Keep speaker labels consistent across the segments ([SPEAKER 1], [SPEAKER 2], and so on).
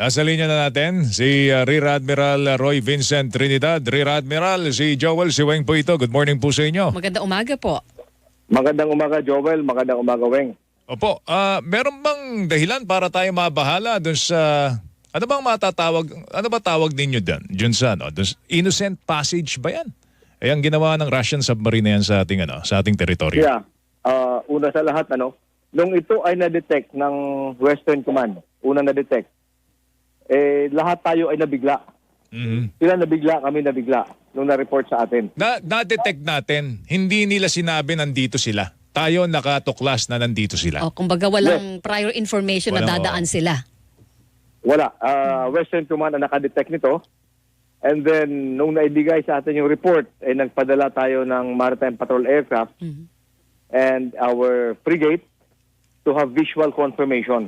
[SPEAKER 1] Nasa linya na natin si Rear Admiral Roy Vincent Trinidad. Rear Admiral, si Joel Siweng po ito. Good morning po sa inyo.
[SPEAKER 2] Magandang umaga po.
[SPEAKER 3] Magandang umaga, Joel. Magandang umaga, Weng.
[SPEAKER 1] Opo, meron bang dahilan para tayo mabahala dun sa... Ano bang matatawag, ano ba tawag ninyo dun sa, innocent passage ba yan? Ay ang ginawa ng Russian submarine na yan sa ating teritoryo.
[SPEAKER 3] Yeah. Una sa lahat, nung ito ay na-detect ng Western Command, una na-detect, lahat tayo ay nabigla. Sila nabigla, kami nabigla nung na-report sa atin.
[SPEAKER 1] Na-detect natin, hindi nila sinabi nandito sila. Tayo nakatuklas na nandito sila.
[SPEAKER 2] Kumbaga walang prior information na dadaan sila.
[SPEAKER 3] Wala. Western Command ang nakadetect nito. And then, nung naibigay sa atin yung report, nagpadala tayo ng Maritime Patrol Aircraft and our frigate to have visual confirmation.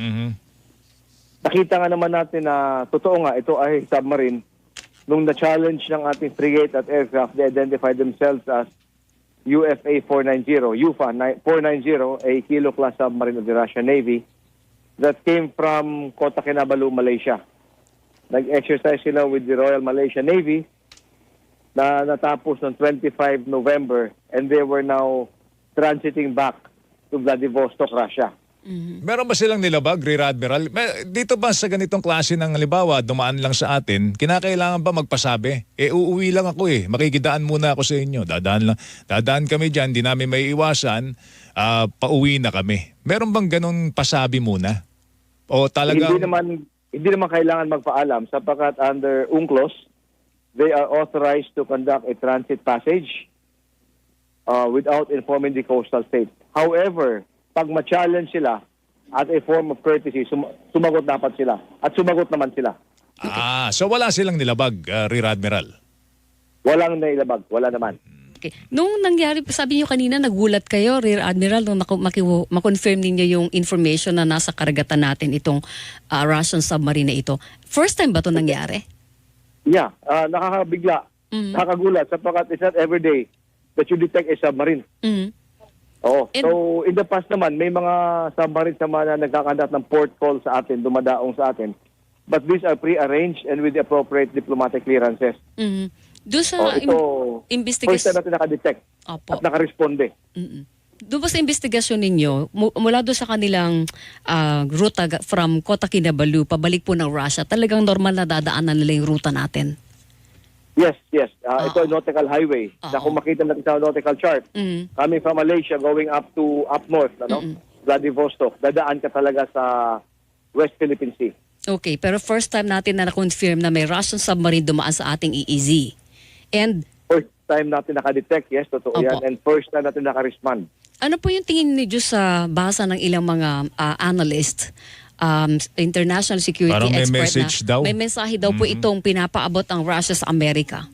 [SPEAKER 3] Nakita nga naman natin na totoo nga, ito ay submarine. Nung na-challenge ng ating frigate at aircraft, they identified themselves as UFA 490, UFA 490, a kilo-class submarine of the Russian Navy that came from Kota Kinabalu, Malaysia. Nag-exercise sila with the Royal Malaysian Navy na natapos noong 25 November and they were now transiting back to Vladivostok, Russia.
[SPEAKER 1] Meron ba silang nilabag, Rear Admiral? Dito ba sa ganitong klase ng halimbawa, dumaan lang sa atin, kinakailangan ba magpasabi? Uuwi lang ako makikidaan muna ako sa inyo. Dadaan kami dyan, di namin may iwasan, pauwi na kami. Meron bang ganun pasabi muna? O talagang...
[SPEAKER 3] Hindi naman kailangan magpaalam sapagkat under UNCLOS, they are authorized to conduct a transit passage without informing the coastal state. However, pag ma-challenge sila at a form of courtesy, sumagot dapat sila. At sumagot naman sila.
[SPEAKER 1] So wala silang nilabag, Rear Admiral?
[SPEAKER 3] Walang nailabag. Wala naman.
[SPEAKER 2] Okay. Nung nangyari, sabi niyo kanina, nagulat kayo, Rear Admiral, nung ma-confirm ninyo yung information na nasa karagatan natin itong Russian submarine na ito. First time ba ito nangyari?
[SPEAKER 3] Yeah. Nakakabigla. Nakakagulat sapagkat it's not every day that you detect a submarine. Oo. So, in the past naman, may mga submarines naman na nagkakandat ng port call sa atin, dumadaong sa atin. But these are pre-arranged and with the appropriate diplomatic clearances.
[SPEAKER 2] Doon sa investigation...
[SPEAKER 3] First time natin nakadetect at nakaresponde.
[SPEAKER 2] Doon ba sa investigasyon ninyo, mula doon sa kanilang ruta from Kota Kinabalu, pabalik po ng Russia, talagang normal na dadaanan nila yung ruta natin?
[SPEAKER 3] Yes. Ito ay nautical highway. Na kung makita natin sa nautical chart, coming from Malaysia going up north, Vladivostok, dadaan ka talaga sa West Philippine Sea.
[SPEAKER 2] Okay, pero first time natin na na-confirm na may Russian submarine dumaan sa ating EEZ. And
[SPEAKER 3] first time natin nakadetect, yes, totoo yan. And first time natin nakarespond.
[SPEAKER 2] Ano po yung tingin niyo sa basa ng ilang mga analyst, international security
[SPEAKER 1] parang may
[SPEAKER 2] expert
[SPEAKER 1] message
[SPEAKER 2] na
[SPEAKER 1] daw.
[SPEAKER 2] may mensahe daw po itong pinapaabot ang Russia sa Amerika?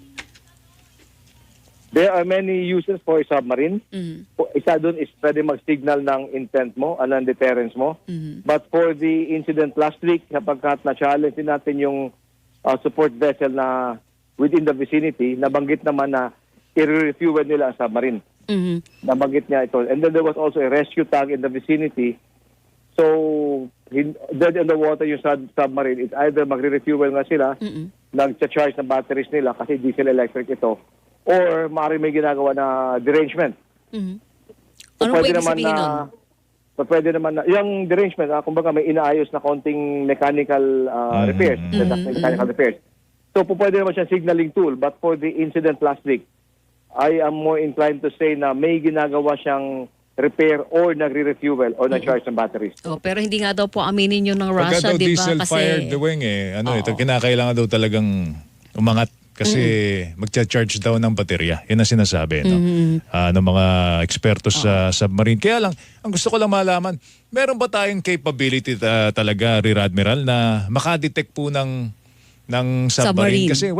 [SPEAKER 3] There are many uses for a submarine. Isa doon is pwede mag-signal ng intent mo, ng deterrence mo. But for the incident last week, sapagkat na-challenge din natin yung support vessel na within the vicinity, nabanggit naman na i-refuel nila ang submarine. Nabanggit niya ito. And then there was also a rescue tug in the vicinity. So, dead in the water yung submarine, it's either magre-refuel nga sila, nag-charge ng batteries nila kasi diesel electric ito, or maaari may ginagawa na derangement.
[SPEAKER 2] Ano po ibig sabihin nun?
[SPEAKER 3] Pwede naman na, yung derangement, kumbaga may inaayos na konting mechanical repairs. Mechanical repairs. So, pwede naman siyang signaling tool. But for the incident last week, I am more inclined to say na may ginagawa siyang repair or nagre-refuel or nag-charge ng batteries.
[SPEAKER 2] Pero hindi nga daw po aminin yun ng Russia, di ba?
[SPEAKER 1] Diesel-fired ito kinakailangan daw talagang umangat kasi magcha-charge daw ng baterya. Yan ang sinasabi ng mga ekspertos sa submarine. Kaya lang, ang gusto ko lang malaman, meron ba tayong capability talaga, Rear Admiral, na makadetect po ng submarine? Kasi,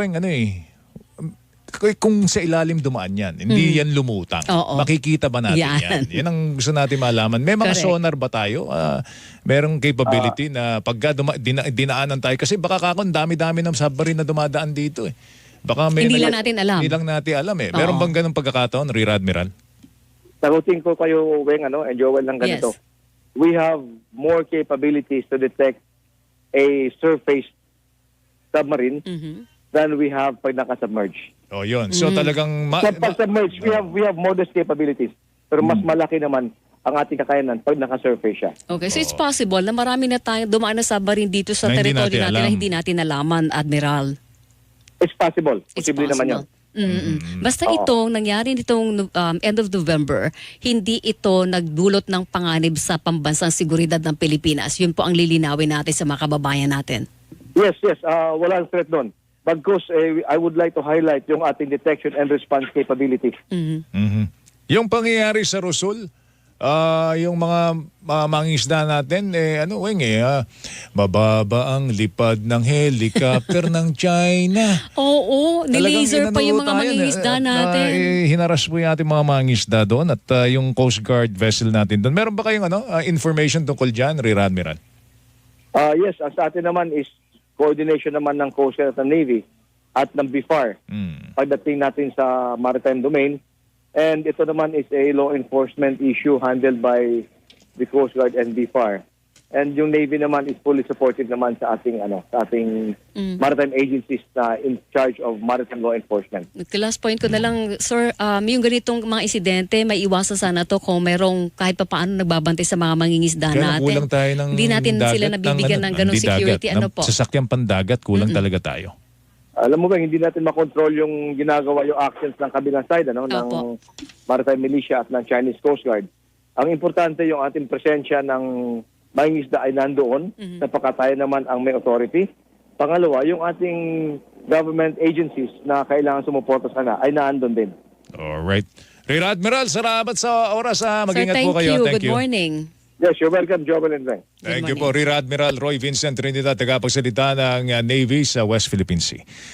[SPEAKER 1] kung sa ilalim dumaan yan, hindi yan lumutang. Makikita ba natin yan? Yan ang gusto natin malaman. May mga sonar ba tayo? Merong capability na pagka dinaanan tayo? Kasi baka dami-dami ng submarine na dumadaan dito Baka
[SPEAKER 2] hindi lang natin alam.
[SPEAKER 1] Hindi lang natin alam Meron bang ganung pagkakataon, Rear Admiral?
[SPEAKER 3] Sagutin ko kayo, Weng, and Joel, ng ganito.
[SPEAKER 2] Yes.
[SPEAKER 3] We have more capabilities to detect a surface submarine
[SPEAKER 2] Mhm.
[SPEAKER 3] than we have pag naka-submerge.
[SPEAKER 1] Oh, yun. So talagang
[SPEAKER 3] Sa pag-submerge, we have modest capabilities. Pero mas malaki naman ang ating kakayanan pag naka-surface siya.
[SPEAKER 2] Okay, so it's possible na marami na tayo dumaan na submarine dito sa
[SPEAKER 1] Na hindi
[SPEAKER 2] teritoryo
[SPEAKER 1] natin
[SPEAKER 2] natin na
[SPEAKER 1] alam.
[SPEAKER 2] hindi natin nalaman, Admiral.
[SPEAKER 3] It's possible.
[SPEAKER 2] It's
[SPEAKER 3] Posible naman yun.
[SPEAKER 2] Basta itong nangyari nitong end of November, hindi ito nagdulot ng panganib sa pambansang seguridad ng Pilipinas. Yun po ang lilinawin natin sa mga kababayan natin.
[SPEAKER 3] Yes. Walang threat doon. Bagkus, I would like to highlight yung ating detection and response capabilities.
[SPEAKER 1] Mhm. Yung pangyayari sa Rosul, yung mga mangingisda natin, mababa ang lipad ng helicopter ng China.
[SPEAKER 2] Oo, nilaser pa yung mga mangingisda natin.
[SPEAKER 1] Hinaras po yung ating mga mangingisda doon at yung Coast Guard vessel natin doon. Meron ba kayong information tungkol dyan, Rear Admiral?
[SPEAKER 3] Yes, ang sa atin naman is coordination naman ng Coast Guard at ng Navy at ng BIFAR pagdating natin sa maritime domain. And ito naman is a law enforcement issue handled by the Coast Guard and BIFAR. And yung Navy naman is fully supportive naman sa ating maritime agencies na in charge of maritime law enforcement.
[SPEAKER 2] Last point ko na lang, sir, yung ganitong mga insidente, may iwasan sana to kung merong kahit pa paano nagbabantay sa mga mangingisda
[SPEAKER 1] Kaya
[SPEAKER 2] natin.
[SPEAKER 1] kulang tayo ng
[SPEAKER 2] Hindi natin
[SPEAKER 1] dagat,
[SPEAKER 2] sila nabibigyan ng ganong
[SPEAKER 1] hindi
[SPEAKER 2] security.
[SPEAKER 1] dagat,
[SPEAKER 2] Ano
[SPEAKER 1] ng
[SPEAKER 2] po?
[SPEAKER 1] sasakyang pandagat, kulang talaga tayo.
[SPEAKER 3] Alam mo ba, hindi natin makontrol yung ginagawa yung actions ng kabilang side ng
[SPEAKER 2] Opo.
[SPEAKER 3] maritime militia at ng Chinese Coast Guard. Ang importante yung ating presensya ng mangingisda ay nandoon sapagkat tayo naman ang may authority. Pangalawa, yung ating government agencies na kailangan sumuporta sana ay naandun din.
[SPEAKER 1] Alright. Rear Admiral, salamat sa oras. Mag-ingat
[SPEAKER 2] Sir,
[SPEAKER 1] po
[SPEAKER 2] thank
[SPEAKER 1] kayo.
[SPEAKER 2] you.
[SPEAKER 1] Thank
[SPEAKER 2] Good
[SPEAKER 1] you.
[SPEAKER 2] morning.
[SPEAKER 3] Yes, you're welcome, Jovel and Ray.
[SPEAKER 1] Thank
[SPEAKER 2] Good
[SPEAKER 1] you po, Rear Admiral Roy Vincent Trinidad, tagapagsalita ng Navy sa West Philippine Sea.